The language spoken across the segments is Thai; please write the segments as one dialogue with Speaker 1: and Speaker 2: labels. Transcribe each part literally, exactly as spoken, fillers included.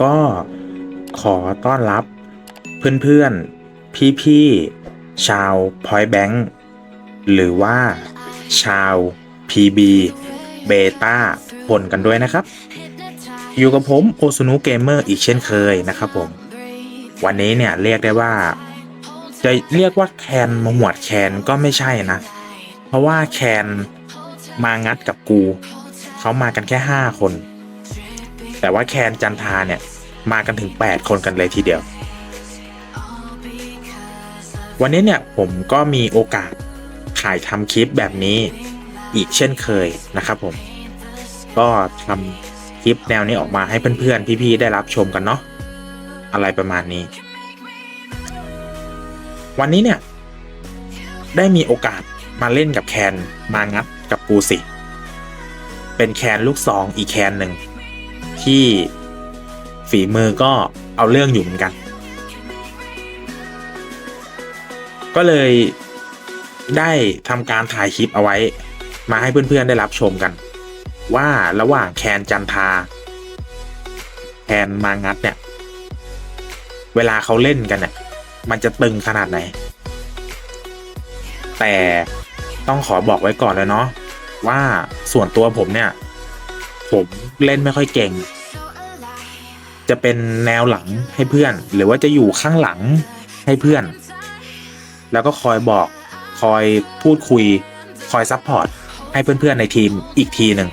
Speaker 1: ก็ขอต้อนรับเพื่อนๆพี่ๆชาว Point Bank หรือว่าชาว พี บี Beta ผลกันด้วยนะครับอยู่กับผมโอซุนุเกมเมอร์อีกเช่นเคยนะครับผมวันนี้เนี่ยเรียกได้ว่าจะเรียกว่าแคนมาหมวดแคนก็ไม่ใช่นะเพราะว่าแคนมางัดกับกูเขามากันแค่ห้าคนแต่ว่าแคนจันทาเนี่ยมากันถึงแปดคนกันเลยทีเดียววันนี้เนี่ยผมก็มีโอกาสถ่ายทำคลิปแบบนี้อีกเช่นเคยนะครับผมก็ทำคลิปแนวนี้ออกมาให้เพื่อนๆพี่ๆได้รับชมกันเนาะอะไรประมาณนี้วันนี้เนี่ยได้มีโอกาสมาเล่นกับแคนมางัดกับกูสิเป็นแคนลูกซองอีกแคนหนึ่งที่ฝีมือก็เอาเรื่องอยู่เหมือนกันก็เลยได้ทำการถ่ายคลิปเอาไว้มาให้เพื่อนๆได้รับชมกันว่าระหว่างแคนจันทาแคนมางัดเนี่ยเวลาเขาเล่นกันเนี่ยมันจะตึงขนาดไหนแต่ต้องขอบอกไว้ก่อนเลยเนาะว่าส่วนตัวผมเนี่ยผมเล่นไม่ค่อยเก่งจะเป็นแนวหลังให้เพื่อนหรือว่าจะอยู่ข้างหลังให้เพื่อนแล้วก็คอยบอกคอยพูดคุยคอยซัพพอร์ตให้เพื่อนๆในทีมอีกทีหนึ่ง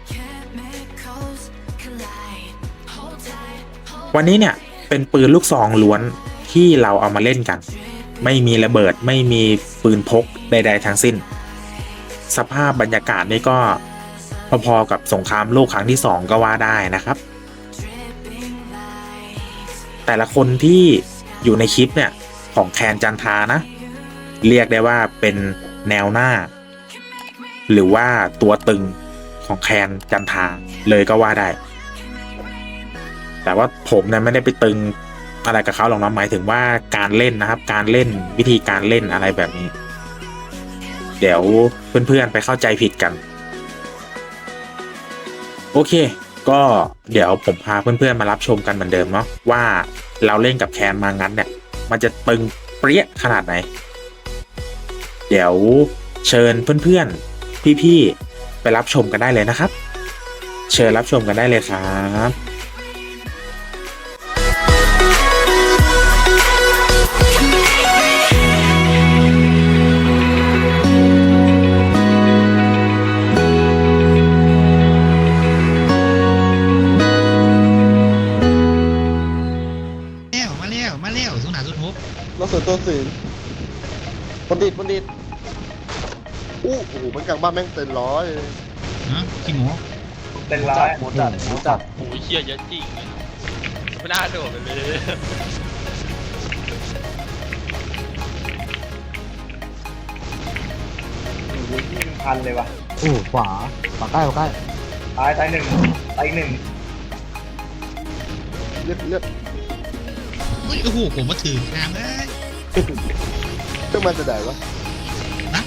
Speaker 1: วันนี้เนี่ยเป็นปืนลูกซองล้วนที่เราเอามาเล่นกันไม่มีระเบิดไม่มีปืนพกใดๆทั้งสิ้นสภาพบรรยากาศนี่ก็พอๆกับสงครามโลกครั้งที่สองก็ว่าได้นะครับแต่ละคนที่อยู่ในคลิปเนี่ยของแคนจันทานะเรียกได้ว่าเป็นแนวหน้าหรือว่าตัวตึงของแคนจันทาเลยก็ว่าได้แต่ว่าผมเนี่ยไม่ได้ไปตึงอะไรกับเขาหรอกนะหมายถึงว่าการเล่นนะครับการเล่นวิธีการเล่นอะไรแบบนี้เดี๋ยวเพื่อนๆไปเข้าใจผิดกันโอเคก็เดี๋ยวผมพาเพื่อนๆมารับชมกันเหมือนเดิมเนาะว่าเราเล่นกับแคนมางั้นเนี่ยมันจะตึงเปรี้ยขนาดไหนเดี๋ยวเชิญเพื่อนๆพี่ๆไปรับชมกันได้เลยนะครับเชิญรับชมกันได้เลยครับ
Speaker 2: รถส่วนตัวสื่อบัณฑิตบัณฑิตอู้โอ้โหมันกลางบ้านแม่งเต็มร้อย
Speaker 3: ฮะจริงเหรอ
Speaker 4: เต็มร้อย
Speaker 2: หมดจัดหมดจัด
Speaker 4: โอ้ยเชี่ยเยอะจริงไม่น่าโดดไปเลยยี่สิบพันเลยว่ะ
Speaker 2: โอ้ขวาขวาใกล้ขวาใกล้
Speaker 4: ตายตายหนึ่งตายหนึ่ง
Speaker 2: เลือดเลือด
Speaker 3: เฮ้ยโอ้โหผมมาถือน้ำเลย
Speaker 2: เครื่องมันจะได้วะ
Speaker 3: นะ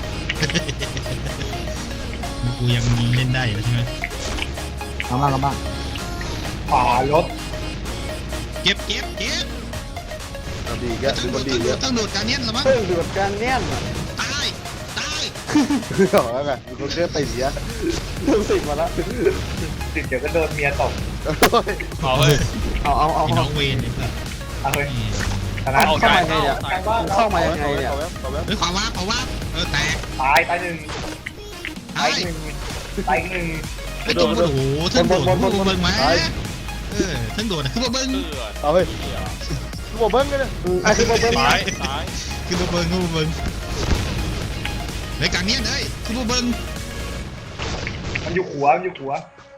Speaker 3: กูยังเล่นได้อยู่ใช่ไหม
Speaker 2: ข้างล่างข้างล่าง
Speaker 4: ขวารถ
Speaker 3: เก็บเก็บเก็บ
Speaker 2: ดีแกดูบัณฑิตเยอะ
Speaker 3: ต้องโดดการเนี้ยหรอมั้ง
Speaker 2: เพิ่งดูดการเนี้ยน
Speaker 3: ตายตาย
Speaker 2: คือหรอแล้วไงมีคนเชื่อติดเยอะเพิ่งสิบมาแล้ว
Speaker 4: ติดเดี๋ยวก็โดนเมียตบ
Speaker 3: เอาเฮ้ย
Speaker 2: เอาเอาเอา
Speaker 3: ไอ้น้องเวนเนี่ยเพื่อน
Speaker 4: เอาเลยชนะ
Speaker 2: เข้ามาไงเนี่ยเข้ามายังไงเนี่ย
Speaker 3: เฮ้ยขวาว่าขวาว่าเออแตก
Speaker 4: ตายตายหนึ่ง
Speaker 3: ตา
Speaker 4: ตาย ยหนึ่งตายหนึ่ง
Speaker 3: ไอ้ตัวโอ้โหทั้งโดดทั้งเบิ้งมาเออทั้งโดดคือเบิ้ง
Speaker 2: เอาไปคือบอกเบิ้งกันเลยคือบอกเบิ้ง
Speaker 4: ตายตาย
Speaker 3: คือเบิ้งคือเบิ้งในการเนี้ยเลยคือเบิ้ง
Speaker 4: มันอยู่ขัวมันอยู่ขัว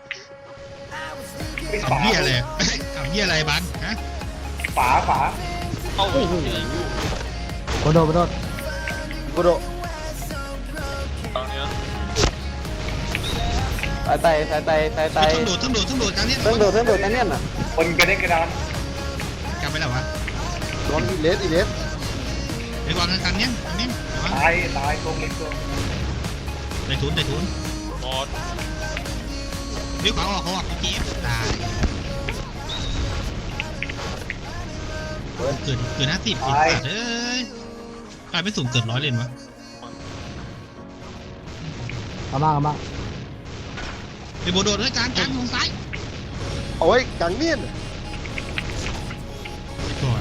Speaker 3: ทำเหี้ยอะไรทำเหี้ยอะไรบ้านฮะ
Speaker 4: ฝาฝาเข้าโอ้โห
Speaker 2: กระโดดกระโดดกระโดด
Speaker 4: ตอนนี้
Speaker 2: สายไตสายไตสายไต
Speaker 3: ทั้งโดดทั้งโดดทั้งโดดการเนี้ย
Speaker 2: เพิ่งโดดเพิ่งโดดกันเนี่ยน่ะ
Speaker 4: คนกระเด็นกระดาน
Speaker 3: กลับไปแล้ววะ
Speaker 2: ร้อนอีเลสอีเลส
Speaker 3: ไปวางกันเนี้ยอันนี้
Speaker 4: ตายตายตรงนี้ตัว
Speaker 3: ได้ทุนได้ทุน
Speaker 4: หมด
Speaker 3: เดี๋ยวขวาออกเขาออกเกมตายเกิดเกิดห้าสิบอีกสัตว์เอ้ยกลายเป็นสูงเกิดร้อยเลยวะ
Speaker 5: เอาบ้างเอาบ้าง
Speaker 3: ไอ้โบโดดด้วยการกลางลงซ้าย
Speaker 2: โอ้ยกังเนียน
Speaker 3: ไปก่อน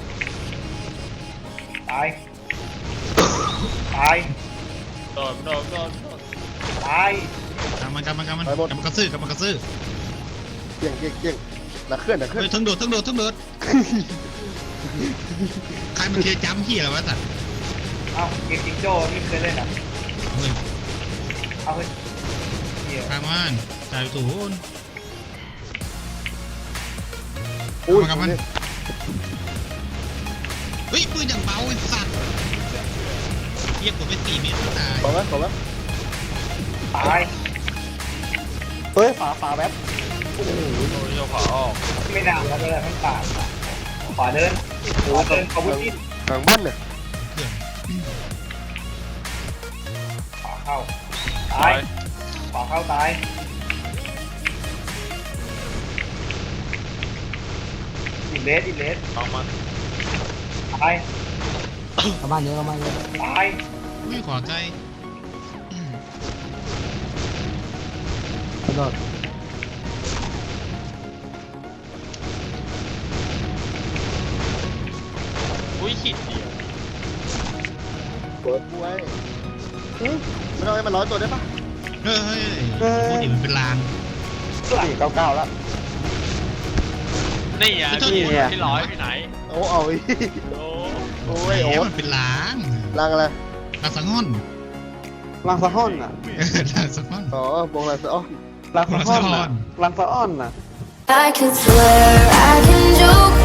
Speaker 6: ตาย ตาย
Speaker 4: โดนโดนโดนโดน
Speaker 6: ตาย
Speaker 3: กำมันกำมันกำมันกำมันกระซื้อกำมันกระซื้อ
Speaker 2: เกี่ยงเกี่ยงเกี่ยงหนักเคลื่อนหนักเคลื่อน
Speaker 3: เฮ้ยทั้งโดดทั้งโดดทั้งโดดใครมันเทียจำเหี้ยอะไรวะสัตว์
Speaker 6: เอ้าเกมจิงโจ้นี่เคยเล่นอ่ะ
Speaker 3: เฮ้ย
Speaker 6: เอาเฮ้ยเหี้ย
Speaker 3: ข้ามมันจ่ายไปถูน
Speaker 2: อุ้ย
Speaker 3: กำมันเฮ้ยปืนอย่างเบาไอ้สัตว์เทียบกว่าไปสี่เมตรตาย
Speaker 2: ขอไหมขอไหม
Speaker 6: ตาย
Speaker 2: เฮ้ยฝาฝาแบบ
Speaker 4: โอ้ยโยกขวาออก
Speaker 6: ไม่ดังแล้วเลยทั้งป่าขวาเดินขวาเดินขวาบุ้น
Speaker 2: กลางบ้านเนี่ย
Speaker 3: เขื่อน
Speaker 6: ขวาเข้า
Speaker 4: ตา
Speaker 6: ตาย ยขวาเข้าตายอินเลสอินเลส
Speaker 4: เอามัน
Speaker 6: ตาย
Speaker 5: เอาบ้านเยอะเอาบ้านเยอะ
Speaker 6: ตาย
Speaker 3: อุ้ยขวาไกล
Speaker 5: กระโดด
Speaker 4: อุ้ยขีดเดียว
Speaker 2: เปิดไว้ไม่ต้องให้มันร้อยตัวได้ปะ
Speaker 3: เฮ้ยพูดดิมันเป็นลาง
Speaker 2: สี่เก้าเก้าแล้ว
Speaker 4: นี่อ่ะ
Speaker 3: ไม่ต้อง
Speaker 4: พี่
Speaker 3: เนี่ย
Speaker 4: พี่ร้อยไปไหน
Speaker 2: โอ้เอาอีก
Speaker 4: โอ้
Speaker 2: โอ้ยโอ้
Speaker 3: แหมมันเป็นลาง
Speaker 2: ลังอะไร
Speaker 3: ลางสังหอน
Speaker 5: ลังสะห้อนอ่ะ
Speaker 3: เออลางสังหอน
Speaker 2: อ๋อวงลังสะอ้อน
Speaker 5: ลังสะห้อนอ่ะลังสะอ้อนอ่ะ
Speaker 7: I could swear I can joke